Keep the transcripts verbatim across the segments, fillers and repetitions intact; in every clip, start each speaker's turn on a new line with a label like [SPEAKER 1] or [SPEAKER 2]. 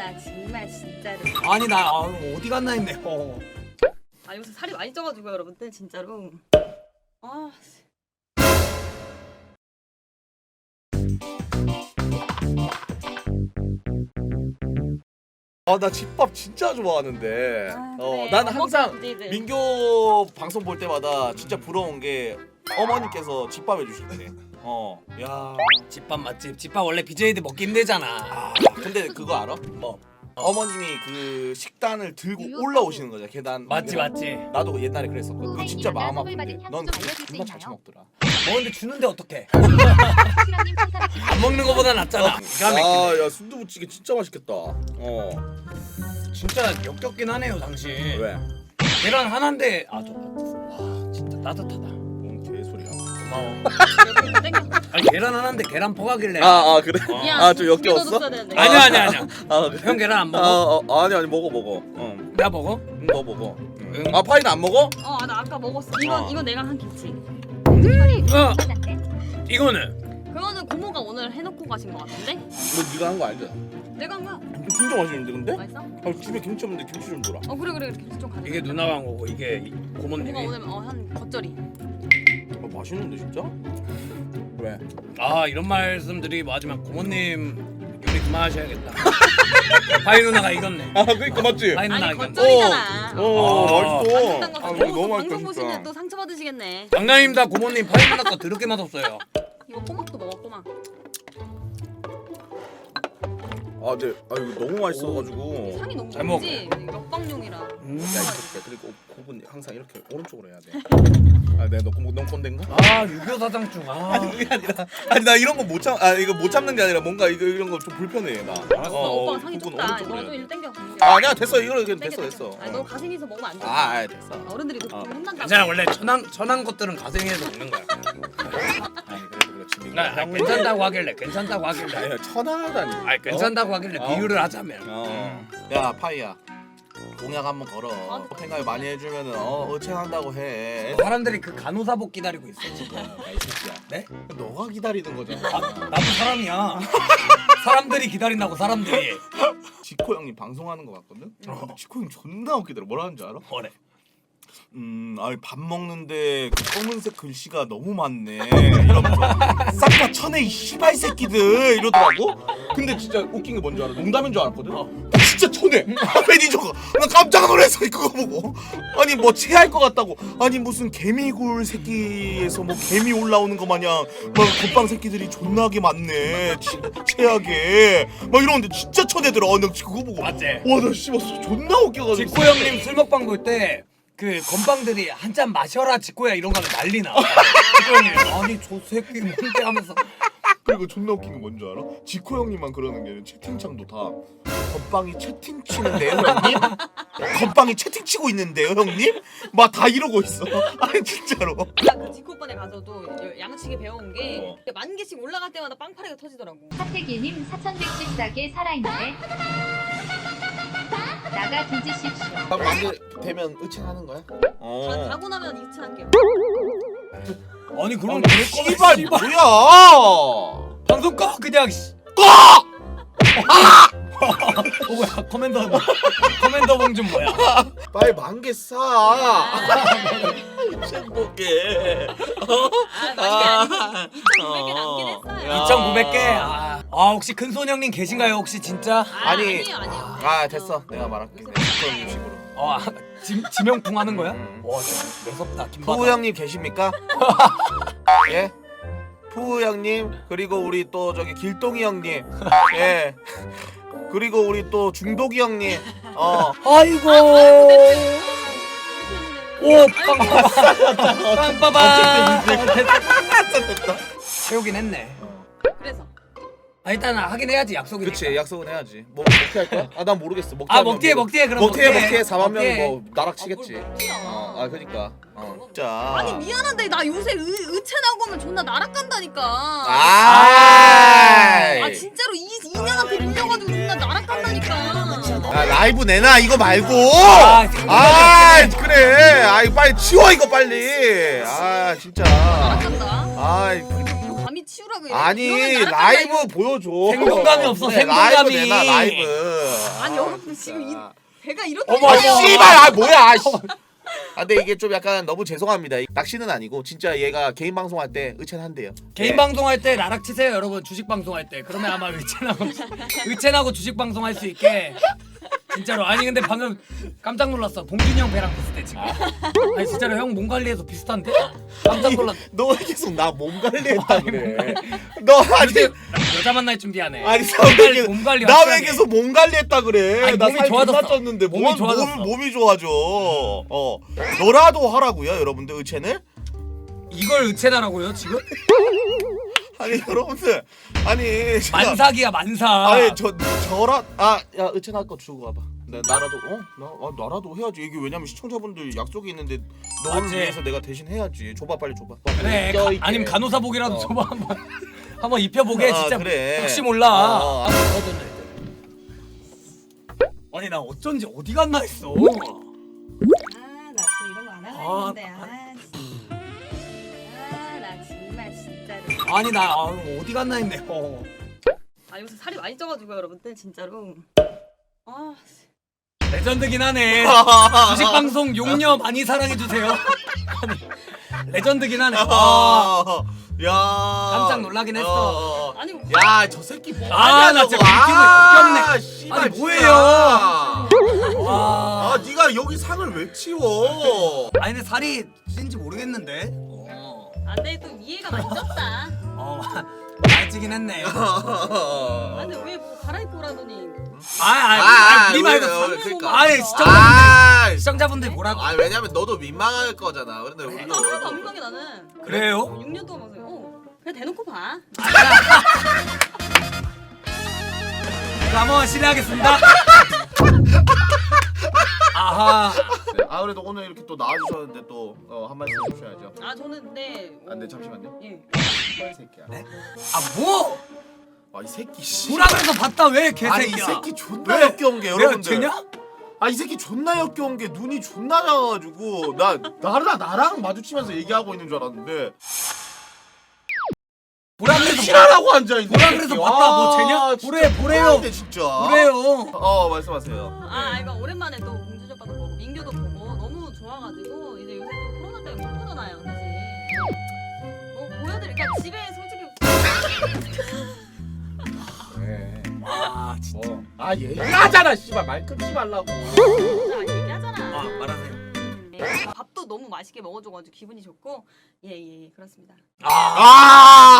[SPEAKER 1] 아 정말 진짜로.
[SPEAKER 2] 아니 나 아, 어디 갔나 했네. 어.
[SPEAKER 1] 아 요새 살이 많이 쪄가지고 여러분들 진짜로. 아.
[SPEAKER 3] 아 나 집밥 진짜 좋아하는데.
[SPEAKER 1] 아,
[SPEAKER 3] 어,
[SPEAKER 1] 그래.
[SPEAKER 3] 난
[SPEAKER 1] 밥
[SPEAKER 3] 항상
[SPEAKER 1] 먹고 이제.
[SPEAKER 3] 민교 방송 볼 때마다 진짜 부러운 게 어머니께서 집밥 해주실 때. 어, 야.
[SPEAKER 2] 집밥 맛집. 집밥 원래 비제이들 먹기 힘들잖아.
[SPEAKER 3] 아, 근데 그거 알아? 뭐 어머님이 그 식단을 들고 올라오시는 거잖아 계단.
[SPEAKER 2] 맞지 맞지.
[SPEAKER 3] 나도 옛날에 그랬었거든. 그거 진짜 마음 아픈데. 넌 그거 존나 잘 처먹더라.
[SPEAKER 2] 먹는데 주는데 어떡해? 안 먹는 거보다 낫잖아. 기가 막히네.
[SPEAKER 3] 아, 야 순두부찌개 진짜 맛있겠다. 어.
[SPEAKER 2] 진짜 역겹긴 하네요 당신.
[SPEAKER 3] 왜?
[SPEAKER 2] 계란 하나인데 아저 와 진짜 따뜻하다.
[SPEAKER 3] 뭔 개소리야.
[SPEAKER 2] 고마워.
[SPEAKER 1] 이렇게 땡겨.
[SPEAKER 2] 아니 계란 하나인데 계란 퍼가길래.
[SPEAKER 3] 아, 아 그래?
[SPEAKER 2] 어.
[SPEAKER 1] 미안,
[SPEAKER 3] 아, 좀
[SPEAKER 1] 두개
[SPEAKER 3] 역겨웠어?
[SPEAKER 1] 넣어줬어야 되는데.
[SPEAKER 2] 아니야 아니야 아니야.
[SPEAKER 3] 아, 그래?
[SPEAKER 2] 형 계란 안
[SPEAKER 3] 아,
[SPEAKER 2] 먹어?
[SPEAKER 3] 어, 아니 아니 먹어 먹어. 어.
[SPEAKER 2] 나 먹어?
[SPEAKER 3] 응, 너 먹어. 응.
[SPEAKER 2] 응.
[SPEAKER 3] 아, 파이는 안 먹어?
[SPEAKER 1] 어, 나 아까 먹었어. 이건
[SPEAKER 3] 어.
[SPEAKER 1] 이건 내가 한 김치.
[SPEAKER 2] 어. 이거는
[SPEAKER 1] 그거는 고모가 오늘 해놓고 가신 것 같은데?
[SPEAKER 3] 너 네가 한 거 아니잖아.
[SPEAKER 1] 내가 한 거야.
[SPEAKER 3] 진짜 맛있는데 근데?
[SPEAKER 1] 맛있어?
[SPEAKER 3] 아, 집에 김치 없는데 김치 좀 줘라.
[SPEAKER 1] 어 그래 그래 김치 좀 가져.
[SPEAKER 2] 이게 누나가 한 거고 이게 이-
[SPEAKER 1] 고모가
[SPEAKER 2] 고모님이.
[SPEAKER 1] 오늘 어한 겉절이.
[SPEAKER 3] 아, 맛있는데 진짜? 왜?
[SPEAKER 2] 아 이런 말씀들이 맞으면 고모님 요리 그만하셔야겠다. 파이 누나가 이겼네.
[SPEAKER 3] 아, 그러니까 맞지?
[SPEAKER 2] 파이 누나가
[SPEAKER 1] 아니
[SPEAKER 2] 이겼네.
[SPEAKER 1] 겉절이잖아.
[SPEAKER 3] 어,
[SPEAKER 2] 아.
[SPEAKER 3] 맛있어.
[SPEAKER 1] 딴거
[SPEAKER 3] 아,
[SPEAKER 1] 가지고
[SPEAKER 3] 이거 너무 맛있다
[SPEAKER 1] 방송 보시면
[SPEAKER 3] 진짜.
[SPEAKER 1] 또 상처 받으시겠네.
[SPEAKER 2] 장난입니다 고모님. 파이 누나 거 더럽게 맛없어요.
[SPEAKER 1] 이거 꼬막도 먹어 꼬막.
[SPEAKER 3] 아, 네. 아, 이거 너무 맛있어가지고.
[SPEAKER 1] 향이 너무
[SPEAKER 2] 잘
[SPEAKER 1] 좋지. 먹방용이라.
[SPEAKER 2] 음.
[SPEAKER 3] 야, 이 새끼야. 그리고 굽은 항상 이렇게 오른쪽으로 해야 돼. 아, 내가 너, 너 꼰대인가?
[SPEAKER 2] 아 유교 사장충. 아.
[SPEAKER 3] 아니 그게 아니라 아니 나 이런 거 못 참, 아 이거 못 참는 게 아니라 뭔가 이거 이런 거 좀 불편해 나.
[SPEAKER 1] 알았어. 오빠가 상이
[SPEAKER 3] 굽은
[SPEAKER 1] 좁다.
[SPEAKER 3] 오른쪽으로
[SPEAKER 1] 너
[SPEAKER 3] 해야
[SPEAKER 1] 좀
[SPEAKER 3] 돼.
[SPEAKER 1] 일 땡겨.
[SPEAKER 3] 아, 아니야 됐어 이거는 그냥
[SPEAKER 1] 땡겨,
[SPEAKER 3] 됐어
[SPEAKER 1] 땡겨.
[SPEAKER 3] 됐어.
[SPEAKER 1] 아니 너 가생해서 먹으면 안 돼.
[SPEAKER 3] 아, 아 됐어.
[SPEAKER 1] 어른들이 너
[SPEAKER 3] 어.
[SPEAKER 1] 좀 혼난다고.
[SPEAKER 2] 괜찮아 원래 천한 천한 것들은 가생해서 먹는 거야.
[SPEAKER 3] 아니 그래도 그렇지.
[SPEAKER 2] 나 아, 괜찮다고 하길래 괜찮다고 하길래.
[SPEAKER 3] 아니야 천하다니.
[SPEAKER 2] 아 괜찮다고 하길래
[SPEAKER 3] 어?
[SPEAKER 2] 비유를 하자면.
[SPEAKER 3] 어. 야 파이야. 공약 한번 걸어.
[SPEAKER 1] 아,
[SPEAKER 3] 생각 많이 해주면은 어 의체한다고 해.
[SPEAKER 2] 사람들이 그 간호사복 기다리고 있어 지금.
[SPEAKER 3] 야, 이 새끼야.
[SPEAKER 2] 네?
[SPEAKER 3] 너가 기다리는 거잖아.
[SPEAKER 2] 아, 나도 사람이야. 사람들이 기다린다고 사람들이.
[SPEAKER 3] 지코 형님 방송하는 거 같거든.
[SPEAKER 2] 어.
[SPEAKER 3] 지코 형 존나 웃기더라. 뭐라는 줄 알아?
[SPEAKER 2] 뭐래?
[SPEAKER 3] 음, 아니 밥 먹는데 그 검은색 글씨가 너무 많네. 이러면서 싹 다 쳐내 이 씨발 새끼들 이러더라고. 근데 진짜 웃긴 게 뭔지 알아? 농담인 줄 알았거든.
[SPEAKER 2] 어.
[SPEAKER 3] 진짜 쳐내. 매니저가 나 깜짝 놀랐어 그거 보고. 아니 뭐 체할 것 같다고. 아니 무슨 개미굴 새끼에서 뭐 개미 올라오는 거 마냥 막 겉방 새끼들이 존나게 많네. 치, 체하게 막 이러는데 진짜 쳐내더라. 나 그거 보고.
[SPEAKER 2] 맞지?
[SPEAKER 3] 와나 씨발 존나 웃겨가지고.
[SPEAKER 2] 직구 형님 술 먹방 볼 때 그 건방들이 한 잔 마셔라 직구야 이런 거 하면 난리 나. 직구 형님 아니 저 새끼 뭔데 하면서.
[SPEAKER 3] 그리고 존나 웃긴 게 뭔지 알아? 지코 형님만 그러는 게 아니라 채팅창도 다 건빵이 채팅 치는데요 형님? 건빵이 채팅 치고 있는데요 형님? 막 다 이러고 있어. 아니 진짜로.
[SPEAKER 1] 나그 지코 오빠네 가서도 양치기 배워온 게
[SPEAKER 3] 어.
[SPEAKER 1] 만 개씩 올라갈 때마다 빵파리가 터지더라고.
[SPEAKER 4] 하태기님 사천백십사 개 살아있네. 나가 뒤지십시오.
[SPEAKER 3] 딱 만개 되면 의칭하는 거야?
[SPEAKER 1] 다
[SPEAKER 3] 어.
[SPEAKER 1] 가고 나면 이치할게요.
[SPEAKER 2] 아니 그럼
[SPEAKER 3] 아, 씨발
[SPEAKER 2] 씨발
[SPEAKER 3] 뭐야?
[SPEAKER 2] 방송 꺼 그냥. 씨.
[SPEAKER 3] 꺼!
[SPEAKER 2] 어 뭐야 커맨더 커맨더 봉준 뭐야?
[SPEAKER 3] 빨리 만개 사. 행복해.
[SPEAKER 1] 아 많이 아니고 이천구백 개 남긴 했어요.
[SPEAKER 2] 이천구백 개. 아, 아 혹시 큰손 형님 계신가요 혹시 진짜?
[SPEAKER 1] 아,
[SPEAKER 3] 아니.
[SPEAKER 1] 아니에요 아니에요.
[SPEAKER 3] 아 됐어. 내가 말할게. 지코 형님 식으로.
[SPEAKER 2] 어 아, 지, 지명풍 하는 거야?
[SPEAKER 3] 음.
[SPEAKER 2] 와 진짜 매섭다 김바다.
[SPEAKER 3] 푸우 형님 계십니까? 예? 푸우 형님 그리고 우리 또 저기 길동이 형님 예 그리고 우리 또 중독이 형님 어
[SPEAKER 2] 아이고. 오 빵빠밤 빵빠밤. 채우긴 했네.
[SPEAKER 1] 그래서
[SPEAKER 2] 아 일단 하긴 해야지 약속이니까.
[SPEAKER 3] 그치 약속은 해야지 뭐 먹튀 할 거야? 아 난 모르겠어 먹튀
[SPEAKER 2] 아
[SPEAKER 3] 하면
[SPEAKER 2] 먹튀해
[SPEAKER 3] 뭐-
[SPEAKER 2] 먹튀해 그럼
[SPEAKER 3] 먹튀해 먹튀해 사만 명이
[SPEAKER 2] 먹튀해.
[SPEAKER 3] 뭐 나락치겠지
[SPEAKER 1] 아, 뭘 먹튀야.
[SPEAKER 3] 어, 아 그니까 어 진짜
[SPEAKER 1] 아니 미안한데 나 요새 의, 의체 나오면 존나 날아간다니까.
[SPEAKER 3] 아이
[SPEAKER 1] 아 진짜로 이 인연한테 밀려가지고 존나 날아간다니까.
[SPEAKER 3] 아 라이브 내놔 이거 말고
[SPEAKER 2] 아,
[SPEAKER 3] 아 그래 아이 빨리 치워 이거 빨리 아 진짜
[SPEAKER 1] 날아간다.
[SPEAKER 3] 아이
[SPEAKER 1] 이거 감히 치우라고. 이래.
[SPEAKER 3] 아니
[SPEAKER 1] 이러면 날아간다,
[SPEAKER 3] 라이브
[SPEAKER 1] 이거.
[SPEAKER 3] 보여줘
[SPEAKER 2] 생동감이 없어,
[SPEAKER 3] 그래,
[SPEAKER 2] 생동감이.
[SPEAKER 3] 라이브 내놔 라이브
[SPEAKER 1] 아니 아니 여러분 지금 이 배가 이렇게
[SPEAKER 2] 어머,
[SPEAKER 3] 아
[SPEAKER 2] 어머.
[SPEAKER 3] 씨발 아 뭐야 아, 씨. 아 근데 이게 좀 약간 너무 죄송합니다. 낚시는 아니고 진짜 얘가 개인 방송할 때 의첸한대요.
[SPEAKER 2] 개인
[SPEAKER 3] 예.
[SPEAKER 2] 방송할 때 나락 치세요 여러분. 주식 방송할 때 그러면 아마 의첸하고 의첸하고 주식 방송할 수 있게. 진짜로. 아니 근데 방금 깜짝 놀랐어. 봉준이 형 배랑 비슷해 지금. 아니 진짜로 형 몸 관리해서 비슷한데? 깜짝 놀랐.
[SPEAKER 3] 너 왜 계속 나 몸 관리했다 그래. 너 아니
[SPEAKER 2] 요새 여자 만날 준비하네.
[SPEAKER 3] 아니
[SPEAKER 2] 몸 관리, 몸 관리
[SPEAKER 3] 나 왜
[SPEAKER 2] 확실하게.
[SPEAKER 3] 계속 몸 관리했다 그래.
[SPEAKER 2] 아니,
[SPEAKER 3] 나
[SPEAKER 2] 몸이
[SPEAKER 3] 살
[SPEAKER 2] 좋아졌어.
[SPEAKER 3] 존나 쪘는데
[SPEAKER 2] 몸이
[SPEAKER 3] 몸,
[SPEAKER 2] 좋아졌어.
[SPEAKER 3] 몸, 몸이 좋아져. 어 너라도 하라고요 여러분들 의첸을.
[SPEAKER 2] 이걸 의첸하라고요 지금?
[SPEAKER 3] 아니 여러분들 아니 제가-
[SPEAKER 2] 만삭이야 만삭.
[SPEAKER 3] 아니 저 저라 아야 의첸 할 거 주고 가봐. 나 나라도 어나 아, 나라도 해야지. 이게 왜냐면 시청자분들 약속이 있는데 너를
[SPEAKER 2] 맞지.
[SPEAKER 3] 위해서 내가 대신 해야지. 줘봐 빨리 줘봐.
[SPEAKER 2] 그래.
[SPEAKER 3] 껴
[SPEAKER 2] 가,
[SPEAKER 3] 있게.
[SPEAKER 2] 아니면 간호사복이라도
[SPEAKER 3] 어.
[SPEAKER 2] 줘봐 한번. 한번 입혀보게
[SPEAKER 3] 아,
[SPEAKER 2] 진짜.
[SPEAKER 3] 그래.
[SPEAKER 2] 혹시 몰라.
[SPEAKER 3] 어, 어.
[SPEAKER 2] 아, 그러던데. 아니 나 어쩐지 어디 갔나 했어.
[SPEAKER 1] 아나 또 이런 거 안 하려
[SPEAKER 2] 아,
[SPEAKER 1] 했는데 아나 정말 진짜로
[SPEAKER 2] 아니 나 아, 어디 갔나 했네. 어.
[SPEAKER 1] 아 요새 살이 많이 쪄가지고 여러분들 진짜로 아
[SPEAKER 2] 레전드긴 하네. 주식 방송 용녀 많이 사랑해 주세요. 아니, 레전드긴 하네. 와.
[SPEAKER 3] 아, 야
[SPEAKER 2] 깜짝 놀라긴 했어.
[SPEAKER 3] 어, 어.
[SPEAKER 1] 아니 뭐
[SPEAKER 3] 야 저 새끼 뭐
[SPEAKER 2] 아, 나 진짜
[SPEAKER 3] 아, 씨발,
[SPEAKER 2] 아니,
[SPEAKER 3] 진짜.
[SPEAKER 2] 뭐예요? 와.
[SPEAKER 3] 아 네가 여기 상을 왜 치워?
[SPEAKER 2] 아니 근데 살이 찐지 모르겠는데. 어.
[SPEAKER 1] 안돼 또 이해가 많이 쪘다
[SPEAKER 2] 어. 많이 찌긴 했네.
[SPEAKER 1] 아 근데 왜 뭐 갈아입고 오라더니
[SPEAKER 2] 아, 아,
[SPEAKER 3] 아,
[SPEAKER 2] 아, 우리
[SPEAKER 3] 왜,
[SPEAKER 2] 말고
[SPEAKER 3] 왜,
[SPEAKER 2] 상-
[SPEAKER 3] 그러니까.
[SPEAKER 2] 아니 시청자
[SPEAKER 3] 아,
[SPEAKER 2] 시청자분들 보라고.
[SPEAKER 3] 아 왜냐면 너도 민망할 거잖아. 근데 우리도
[SPEAKER 1] 나 하나도 안 민망해 나는
[SPEAKER 2] 그래요?
[SPEAKER 1] 육 년 동안 봐서 어 그냥 대놓고 봐
[SPEAKER 2] 자, 한번 실례하겠습니다. 아하.
[SPEAKER 3] 네, 아 그래도 오늘 이렇게 또 나와주셨는데 또 어, 한 말씀 해주셔야죠.
[SPEAKER 1] 아 저는 근데 어,
[SPEAKER 3] 아, 네 잠시만요.
[SPEAKER 1] 예.
[SPEAKER 3] 이 새끼야.
[SPEAKER 2] 네? 아 뭐?
[SPEAKER 3] 아 이 새끼 씨.
[SPEAKER 2] 보라 그래서 봤다 왜 개새끼야?
[SPEAKER 3] 아니 이 새끼 존나
[SPEAKER 2] 왜?
[SPEAKER 3] 역겨운 게
[SPEAKER 2] 내가
[SPEAKER 3] 여러분들.
[SPEAKER 2] 쟤냐?
[SPEAKER 3] 아 이 새끼 존나 역겨운 게 눈이 존나 작아가지고 나 나랑 나랑 마주치면서 얘기하고 있는 줄 알았는데
[SPEAKER 2] 보라 그래서
[SPEAKER 3] 실하라고 앉아 있는.
[SPEAKER 2] 보라 그래서 봤다 뭐 쟤냐? 보래 보래요.
[SPEAKER 3] 진짜.
[SPEAKER 2] 보래요.
[SPEAKER 3] 어 말씀하세요.
[SPEAKER 1] 아 이거 오랜만에 또 공주님 오빠도 보고 민규도 보고 너무 좋아가지고 이제 요새 또 코로나 때문에 못 보잖아요 사실 뭐 보여드릴까 집에 솔직히
[SPEAKER 3] 네.
[SPEAKER 2] 아 진짜.
[SPEAKER 3] 뭐. 아 얘기하잖아 씨발 말 끊지 말라고.
[SPEAKER 1] 진짜 얘기하잖아
[SPEAKER 2] 아 말하세요.
[SPEAKER 1] 네. 밥도 너무 맛있게 먹어줘가지고 기분이 좋고 예예 예, 그렇습니다
[SPEAKER 2] 아.
[SPEAKER 3] 아,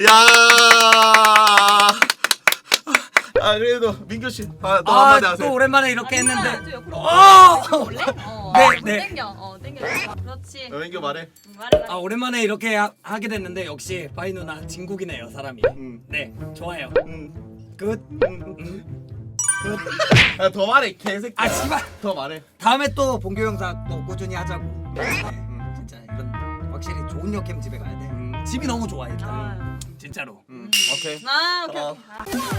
[SPEAKER 3] 야. 아 그래도 민규 씨, 아, 너 한마디
[SPEAKER 2] 아,
[SPEAKER 3] 하세요.
[SPEAKER 2] 또 오랜만에 이렇게
[SPEAKER 1] 아,
[SPEAKER 2] 했는데.
[SPEAKER 1] 좀 옆으로
[SPEAKER 2] 어!
[SPEAKER 1] 올래? 어,
[SPEAKER 2] 네,
[SPEAKER 1] 어,
[SPEAKER 2] 네.
[SPEAKER 1] 땡겨 어 땡겨 그렇지
[SPEAKER 3] 어, 민규 말해.
[SPEAKER 1] 음, 말해 말해
[SPEAKER 2] 아 오랜만에 이렇게 하, 하게 됐는데 역시 바이 누나 진국이네요 사람이.
[SPEAKER 3] 응.
[SPEAKER 2] 네 좋아요.
[SPEAKER 3] 응.
[SPEAKER 2] 끝.
[SPEAKER 3] 응.
[SPEAKER 2] 음.
[SPEAKER 3] 아, 더 말해 개새끼.
[SPEAKER 2] 아 씨발.
[SPEAKER 3] 더 말해.
[SPEAKER 2] 다음에 또 본교 영상 또 꾸준히 하자고. 네, 진짜 이런 확실히 좋은 역캠 집에 가야 돼. 집이 너무 좋아 일단.
[SPEAKER 1] 아,
[SPEAKER 2] 진짜로.
[SPEAKER 3] 응. 오케이.
[SPEAKER 1] 아 오케이
[SPEAKER 3] 어.
[SPEAKER 1] 오케이 아.